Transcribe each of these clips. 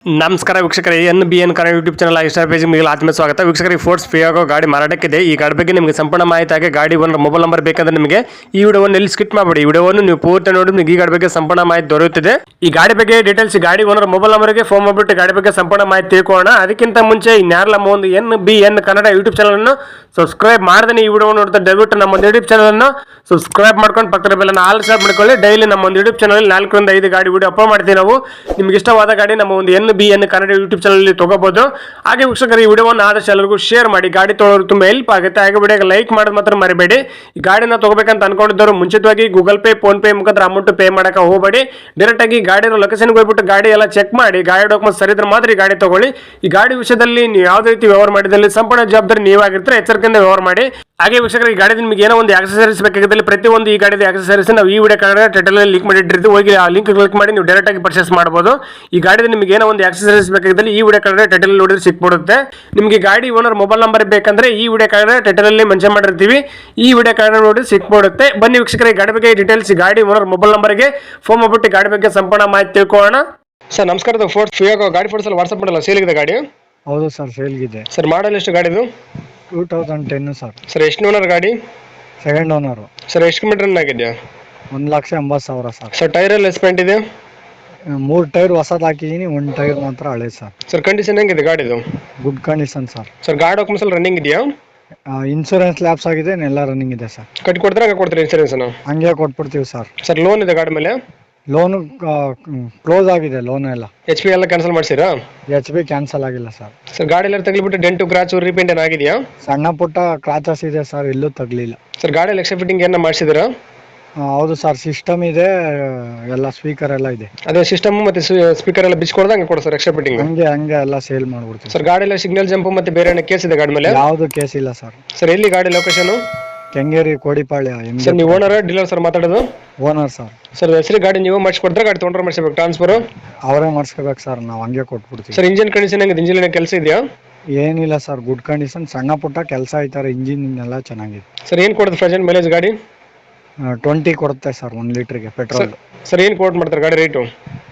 ನಮಸ್ಕಾರ ವೀಕ್ಷಕರೇ, NBN Kannada YouTube channel insta page ನಿಮಗೆ ಆತ್ಮೀಯ ಸ್ವಾಗತ. ವೀಕ್ಷಕರಿಗೆ ಫೋರ್ಸ್ ಫ್ರೀ ಆಗೋ ಗಾಡಿ ಮಾರಾಟಕ್ಕಿದೆ. ಈ ಗಾಡಿ ಬಗ್ಗೆ ನಿಮಗೆ ಸಂಪೂರ್ಣ ಮಾಹಿತಿ ಆಗಿ ಗಾಡಿ ಓನರ್ ಮೊಬೈಲ್ ನಂಬರ್ ಬೇಕಂದ್ರೆ ನಿಮಗೆ ಈ ವಿಡಿಯೋವನ್ನು ಎಲ್ಲಿ ಸ್ಕಿಪ್ ಮಾಡಬೇಡಿ. ಈ ವಿಡಿಯೋವನ್ನು ನೀವು ಪೂರ್ತಿ ನೋಡಿ ನಿಮಗೆ ಈ ಗಾಡಿ ಬಗ್ಗೆ ಸಂಪೂರ್ಣ ಮಾಹಿತಿ ದೊರೆಯುತ್ತದೆ. ಈ ಗಾಡಿ ಬಗ್ಗೆ ಡೀಟೇಲ್ಸ್ ಗಾಡಿ ಓನರ್ ಮೊಬೈಲ್ ನಂಬರ್ಗೆ ಫೋನ್ ಮಾಡಿಬಿಟ್ಟು ಗಾಡಿ ಬಗ್ಗೆ ಸಂಪೂರ್ಣ ಮಾಹಿತಿ ತಿಳ್ಕೊಳ್ಳೋಣ. ಅದಕ್ಕಿಂತ ಮುಂಚೆ ಇನ್ಯಾರಲ್ಲ ನಮ್ಮ ಒಂದು NBN ಕನ್ನಡ ಯೂಟ್ಯೂಬ್ ಚಾನಲ್ ಅನ್ನು ಸಬ್ಸ್ಕ್ರೈಬ್ ಮಾಡದೇ ಈ ವಿಡಿಯೋ ನೋಡ್ತಾ ದಯವಿಟ್ಟು ನಮ್ಮ ಒಂದು ಯೂಟ್ಯೂಬ್ ಚಾನಲ್ ಅನ್ನು ಸಬ್ಸ್ಕ್ರೈಬ್ ಮಾಡ್ಕೊಂಡು ಪಕ್ಕದ ಬೆಲ್ಲನ್ನು ಆಲ್ ಸಬ್ ಮಾಡ್ಕೊಳ್ಳಿ. ಡೈಲಿ ನಮ್ಮ ಒಂದು ಯೂಟ್ಯೂಬ್ ಚಾನಲ್ 4 ರಿಂದ 5 ಗಾಡಿ ವಿಡಿಯೋ ಅಪ್ಲೋಡ್ ಮಾಡ್ತೀವಿ ನಾವು. ನಿಮ್ಗೆ ಇಷ್ಟವಾದ ಗಾಡಿ ನಮ್ಮ ಒಂದು NBN ಕನ್ನಡ ಯೂಟ್ಯೂಬ್ ಚಾನಲ್ ತಗೋಬಹುದು. ಹಾಗೆ ವೀಕ್ಷಕರು ಈ ವಿಡಿಯೋವನ್ನು ಆದಷ್ಟು ಎಲ್ಲರಿಗೂ ಶೇರ್ ಮಾಡಿ. ಗಾಡಿ ತೊಗೊಳ್ಳೋರು ತುಂಬಾ ಹೆಲ್ಪ್ ಆಗುತ್ತೆ. ಹಾಗೆ ವಿಡಿಯೋಗೆ ಲೈಕ್ ಮಾಡೋದು ಮಾತ್ರ ಮರಿಬೇಡಿ. ಈ ಗಾಡಿನ ತಗೋಬೇಕಂತ ಅನ್ಕೊಂಡಿದ್ದವರು ಮುಂಚಿತವಾಗಿ ಗೂಗಲ್ ಪೇ, ಫೋನ್ ಪೇ ಮುಖಾಂತರ ಅಮೌಂಟ್ ಪೇ ಮಾಡಕ್ಕೆ ಹೋಗಬೇಡಿ. ಡೈರೆಕ್ಟ್ ಆಗಿ ಗಾಡಿನ ಲೊಕೇಶನ್ಗೆ ಹೋಗ್ಬಿಟ್ಟು ಗಾಡಿ ಎಲ್ಲ ಚೆಕ್ ಮಾಡಿ, ಗಾಡಿ ಡಾಕ್ಯುಮೆಂಟ್ ಸರಿ ಇದ್ರೆ ಮಾತ್ರ ಈ ಗಾಡಿ ತಗೊಳ್ಳಿ. ಈ ಗಾಡಿ ವಿಷಯದಲ್ಲಿ ನೀವು ಯಾವುದೇ ರೀತಿ ವ್ಯವಹಾರ ಮಾಡಿದಲ್ಲಿ ಸಂಪೂರ್ಣ ಜವಾಬ್ದಾರಿ ನೀವಾಗಿರ್ತಾರೆ. ಎಚ್ಚರಿಕೆಯಿಂದ ವ್ಯವಹಾರ ಮಾಡಿ. ಹಾಗೆ ವೀಕ್ಷಕರು ಈ ಗಾಡಿ ನಿಮಗೆ ಏನೋ ಒಂದು ಆಕ್ಸೆಸರೀಸ್ ಬೇಕಾಗಿದ್ದಲ್ಲಿ ಪ್ರತಿಯೊಂದು ಈ ಗಾಡಿದ ಆಕ್ಸೆಸರೀಸ್ ನಾವು ಈ ವಿಡಿಯೋ ಕಾರ್ಡ್ ಟೈಟಲ್ ಅಲ್ಲಿ ಲಿಂಕ್ ಮಾಡಿಟ್ಟಿರ್ತೀವಿ. ಹೋಗಿ ಆ ಲಿಂಕ್ ಕ್ಲಿಕ್ ಮಾಡಿ ನೀವು ಡೈರೆಕ್ಟ್ ಆಗಿ ಪರ್ಚೇಸ್ ಮಾಡಬಹುದು. ಈ ಗಾಡಿದ ನಿಮಗೆ ಏನೋ ಒಂದು ಆಕ್ಸೆಸರೀಸ್ ಬೇಕಾಗಿದ್ದಲ್ಲಿ ಈ ವಿಡಿಯೋ ಕಾರ್ಡ್ ಟೈಟಲ್ ನೋಡಿದ್ರೆ ಸಿಕ್ಬಿಡುತ್ತೆ. ನಿಮಗೆ ಗಾಡಿ ಓನರ್ ಮೊಬೈಲ್ ನಂಬರ್ ಬೇಕಂದ್ರೆ ಈ ವಿಡಿಯೋ ಕಾರ್ಡ್ ಟೈಟಲ್ ಅಲ್ಲಿ ಮೆನ್ಷನ್ ಮಾಡಿರ್ತೀವಿ. ಈ ವಿಡಿಯೋ ಕಾರ್ಡ್ ನೋಡಿ ಸಿಕ್ಬಿಡುತ್ತೆ. ಬನ್ನಿ ವೀಕ್ಷಕರ ಈ ಗಾಡಿ ಬಗ್ಗೆ ಡೀಟೇಲ್ಸ್ ಗಾಡಿ ಓನರ್ ಮೊಬೈಲ್ ನಂಬರ್ಗೆ ಫೋನ್ ಮಾಡ್ಬಿಟ್ಟು ಗಾಡಿ ಬಗ್ಗೆ ಸಂಪೂರ್ಣ ಮಾಹಿತಿ ತಿಳ್ಕೊಳ್ಳೋಣ. ಸರ್ ನಮಸ್ಕಾರ. ಫೋರ್ಸ್ ಫ್ರೀ ಆಗೋ ಗಾಡಿ ಫೋಟೋಸ್ ವಾಟ್ಸ್ಆಪ್ ಮಾಡಲ್ಲ, ಸೇಲ್ ಇದೆ ಗಾಡಿ? ಹೌದು ಸರ್, ಸೇಲ್ಗಿದೆ. ಸರ್ ಮಾಡಲ್ ಎಷ್ಟು ಗಾಡಿದು? 2010 ಸರ್. ಸರ್ ಎಷ್ಟು ಓನರ್ ಗಾಡಿ? Second owner. ಸರ್ ಎಷ್ಟು ಕಿಲೋಮೀಟರ್ ರನ್ ಆಗಿದೆ? 1,80,000 ಸರ್. ಸರ್ ಟೈರ್ ಎಲ್ಲ ಎಸ್ಪೆಂಟ್ ಇದೆ? 3 ಟೈರ್ ಹೊಸದು ಹಾಕಿದ್ದೀನಿ, 1 ಟೈರ್ ಮಾತ್ರ ಹಳೆ ಸರ್. ಸರ್ ಕಂಡೀಷನ್ ಹೆಂಗಿದೆ ಗಾಡಿದು? Good condition sir. ಸರ್ ಗಾಡಿ ಡಾಕ್ಯುಮೆಂಟ್ಸ್ ಎಲ್ಲ ರನ್ನಿಂಗ್ ಇದೆಯಾ? ಇನ್ಶೂರೆನ್ಸ್ ಲ್ಯಾಪ್ಸ್ ಆಗಿದೆ, ಎಲ್ಲ ರನ್ನಿಂಗ್ ಇದೆ ಸರ್. ಕಟ್ಟಿ ಕೊಡ್ತಾರೆ, ಹಂಗೆ ಕೊಡ್ತೀರಿ ಇನ್ಸೂರೆನ್ಸ್? ಹಂಗೆ ಕೊಟ್ಬಿಡ್ತೀವಿ ಸರ್. ಸರ್ ಲೋನ್ ಇದೆ ಗಾಡಿ ಮೇಲೆ? ಲೋನು ಕ್ಲೋಸ್ ಆಗಿದೆ, ಲೋನ್ ಎಲ್ಲ. HP ಎಲ್ಲ ಕ್ಯಾನ್ಸಲ್ ಮಾಡಿಸಿರಾ? HP ಕ್ಯಾನ್ಸಲ್ ಆಗಿಲ್ಲ ಸರ್. ಸರ್ ಗಾಡಿ ಎಲ್ಲ ತಗಲಿಬಿಟ್ಟು ಡೆಂಟು ಕ್ರಾಚು ರೀಪೇಂಟ್ ಏನಾಗಿದೆಯಾ? ಸಣ್ಣ ಪುಟ್ಟ ಕ್ರಾಚಸ್ ಇದೆ ಸರ್, ಎಲ್ಲೂ ತಗಲಿಲ್ಲ. ಸರ್ ಗಾಡಿ ಎಕ್ಸ್ಟ್ರಾ ಫಿಟ್ಟಿಂಗ್ ಏನ ಮಾಡಿಸಿದ್ರಾ? ಹೌದು ಸರ್, ಸಿಸ್ಟಮ್ ಇದೆ, ಎಲ್ಲ ಸ್ಪೀಕರ್ ಎಲ್ಲ ಇದೆ. ಅದೇ ಸಿಸ್ಟಮ್ ಮತ್ತೆ ಸ್ಪೀಕರ್ ಎಲ್ಲ ಬಿಚ್ಕೊಡ್ದ ಹಂಗೆ ಕೊಡ ಸರ್ ಎಕ್ಸ್ಟ್ರಾ ಫಿಟ್ಟಿಂಗ್? ಹಂಗೆ ಎಲ್ಲ ಸೇಲ್ ಮಾಡ್ಬಿಡ್ತೀವಿ. ಸರ್ ಗಾಡಿ ಎಲ್ಲ ಸಿಗ್ನಲ್ ಜಂಪ್ ಮತ್ತೆ ಬೇರೆ ಏನೋ ಕೇಸ್ ಇದೆ ಗಾಡಿ ಮೇಲೆ? ಯಾವುದು ಕೇಸ್ ಇಲ್ಲ ಸರ್. ಸರ್ ಎಲ್ಲಿ ಗಾಡಿ ಲೊಕೇಶನ್? ಕೆಂಗೇರಿ, ಕೋಡಿಪಾಳ್ಯ. ಸರ್ ನೀವು ಓನರ್ ಡೀಲರ್ ಸರ್ ಮಾತಾಡೋದು? Owner sir. ಸರ್ ಹೆಸರು ಗಾಡಿ ನೀವು ಮಾಡಿಸ್ಕೊಡ್ತಾರೆ, ಗಾಡಿ ತೊಗೊಂಡ್ರೆ ಮಾಡಿಸ್ಬೇಕು ಟ್ರಾನ್ಸ್ಫರ್? ಅವರೇ ಮಾಡಿಸ್ಕೋಬೇಕು ಸರ್, ನಾವು ಹಂಗೆ ಕೊಟ್ಬಿಡ್ತೀವಿ. ಸರ್ ಇಂಜಿನ್ ಕಂಡೀಷನ್ ಹೆಂಗಿದೆ? ಇಂಜಿನ್ ಕೆಲಸ ಇದೆಯಾ? ಏನಿಲ್ಲ ಸರ್, ಗುಡ್ ಕಂಡೀಷನ್. ಸಣ್ಣ ಪುಟ್ಟ ಕೆಲಸ ಐತಾರೆ, ಇಂಜಿನ್ ಎಲ್ಲ ಚೆನ್ನಾಗಿದೆ. ಸರ್ ಏನು ಕೊಡುತ್ತೆ ಪ್ರೆಸೆಂಟ್ ಮೈಲೇಜ್ ಗಾಡಿ? 20 ಕೊಡುತ್ತೆ ಸರ್ 1 ಲೀಟ್ರಿಗೆ ಪೆಟ್ರೋಲ್. ಸರ್ ಏನು ಕೋಟ್ ಮಾಡ್ತಾರೆ ಗಾಡಿ ರೇಟು?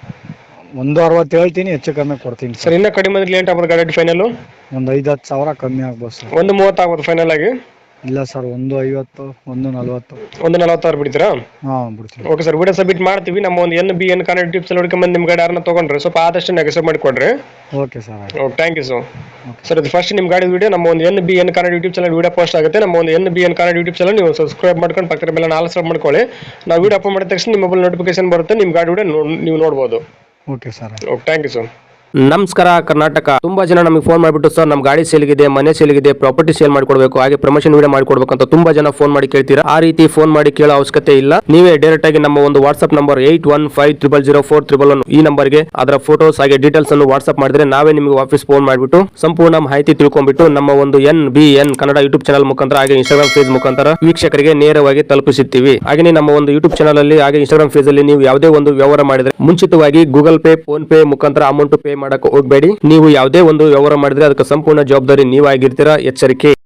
160 ಹೇಳ್ತೀನಿ, ಹೆಚ್ಚು ಕಮ್ಮಿ ಕೊಡ್ತೀನಿ ಸರ್. ಇನ್ನೂ ಕಡಿಮೆ ಅಂದ್ರೆ ಲೇಟ್ ಆಗ್ಬೋದು ಗಾಡಿ ಫೈನಲ್? ಒಂದು 5-10 ಸಾವಿರ ಕಮ್ಮಿ ಆಗ್ಬೋದು ಸರ್. 130 ಆಗ್ಬೋದು ಫೈನಲ್ ಆಗಿ? ಇಲ್ಲ ಸರ್, 150, 140. 146 ಬಿಡ್ತೀರಾ? ಹಾಂ, ಬಿಡ್ತೀವಿ. ಓಕೆ ಸರ್, ವಿಡಿಯೋ ಸಬ್ಮಿಟ್ ಮಾಡ್ತೀವಿ. ನಮ್ಮ ಒಂದು NBN ಕನ್ನಡ ಯೂಟ್ಯೂಬ್ ಚಾನಲ್ ಹುಡ್ಕೊಂಡ್ಬಂದು ನಿಮ್ಮ ಗಾಡಿ ಯಾರನ್ನ ತೊಗೊಂಡ್ರೆ ಸ್ವಲ್ಪ ಆದಷ್ಟು ನೆಗೆಸೋ ಮಾಡಿಕೊಡ್ರಿ. Okay sir. Okay, thank you sir. Sir ಇದು ಫಸ್ಟ್ ನಿಮ್ಮ ಗಾಡಿ ವಿಡಿಯೋ ನಮ್ಮ ಒಂದು NBN Kannada YouTube channel video post ಆಗುತ್ತೆ. ನಮ್ಮ ಒಂದು NBN ಕನ್ನಡ ಯೂಟ್ಯೂಬ್ ಚಾನಲ್ ನೀವು ಸಬ್ಸ್ಕ್ರೈಬ್ ಮಾಡ್ಕೊಂಡು ಪಕ್ಕದ ಮೇಲೆ ಆಲ್ ಸಬ್ ಮಾಡ್ಕೊಳ್ಳಿ. ನಾವು ವಿಡಿಯೋ ಅಪ್ಲೋಡ್ ಮಾಡಿದ ತಕ್ಷಣ ನಿಮ್ಮ ಮೊಬೈಲ್ ನೋಟಿಫಿಕೇಶನ್ ಬರುತ್ತೆ, ನಿಮ್ಮ ಗಾಡಿ ವಿಡಿಯೋ ನೀವು ನೋಡ್ಬೋದು. Okay sir. Okay, thank you sir. ನಮಸ್ಕಾರ ಕರ್ನಾಟಕ. ತುಂಬಾ ಜನ ನಮಗೆ ಫೋನ್ ಮಾಡಿಬಿಟ್ಟು ಸರ್ ನಮ್ಮ ಗಾಡಿ ಸೇಲ್ಗಿದೆ, ಮನೆ ಸೇಲ್ಗಿದೆ, ಪ್ರಾಪರ್ಟಿ ಸೇಲ್ ಮಾಡ್ಕೊಡ್ಬೇಕು, ಹಾಗೆ ಪ್ರಮೋಷನ್ ವಿಡಿಯೋ ಮಾಡ್ಕೊಡ್ಬೇಕು ಅಂತ ತುಂಬಾ ಜನ ಫೋನ್ ಮಾಡಿ ಕೇಳ್ತೀರಾ. ಆ ರೀತಿ ಫೋನ್ ಮಾಡಿ ಕೇಳೋ ಅವಶ್ಯಕತೆ ಇಲ್ಲ. ನೀವೇ ಡೈರೆಕ್ಟ್ ಆಗಿ ನಮ್ಮ ಒಂದು ವಾಟ್ಸ್ಆಪ್ ನಂಬರ್ 81500411 ಈ ನಂಬರ್ಗೆ ಅದರ ಫೋಟೋಸ್ ಹಾಗೆ ಡೀಟೇಲ್ಸ್ ಅನ್ನು ವಾಟ್ಸ್ಆಪ್ ಮಾಡಿದ್ರೆ ನಾವೇ ನಿಮಗೆ ವಾಪಸ್ ಫೋನ್ ಮಾಡಿಬಿಟ್ಟು ಸಂಪೂರ್ಣ ಮಾಹಿತಿ ತಿಳ್ಕೊಂಡ್ಬಿಟ್ಟು ನಮ್ಮ ಒಂದು NBN ಕನ್ನಡ ಯೂಟ್ಯೂಬ್ ಚಾನಲ್ ಮುಖಾಂತರ ಹಾಗೆ ಇನ್ಸ್ಟಾಗ್ರಾಮ್ ಪೇಜ್ ಮುಖಾಂತರ ವೀಕ್ಷಕರಿಗೆ ನೇರವಾಗಿ ತಲುಪಿಸುತ್ತೀವಿ. ಹಾಗೆ ನಮ್ಮ ಒಂದು ಯೂಟ್ಯೂಬ್ ಚಾನಲ್ ಅಲ್ಲಿ ಹಾಗೆ ಇನ್ಸ್ಟಾಗ್ರಾಮ್ ಪೇಜ್ ಅಲ್ಲಿ ನೀವು ಯಾವುದೇ ಒಂದು ವ್ಯವಹಾರ ಮಾಡಿದ್ರೆ ಮುಂಚಿತವಾಗಿ ಗೂಗಲ್ ಪೇ, ಫೋನ್ ಪೇ ಮುಖಾಂತರ ಅಮೌಂಟ್ ಪೇ ಮಾಡಕ್ಕೆ ಹೋಗಬೇಡಿ. ನೀವು ಯಾವುದೇ ಒಂದು ವ್ಯವಹಾರ ಮಾಡಿದ್ರೆ ಅದಕ್ಕೆ ಸಂಪೂರ್ಣ ಜವಾಬ್ದಾರಿ ನೀವಾಗಿರ್ತೀರಾ. ಎಚ್ಚರಿಕೆ.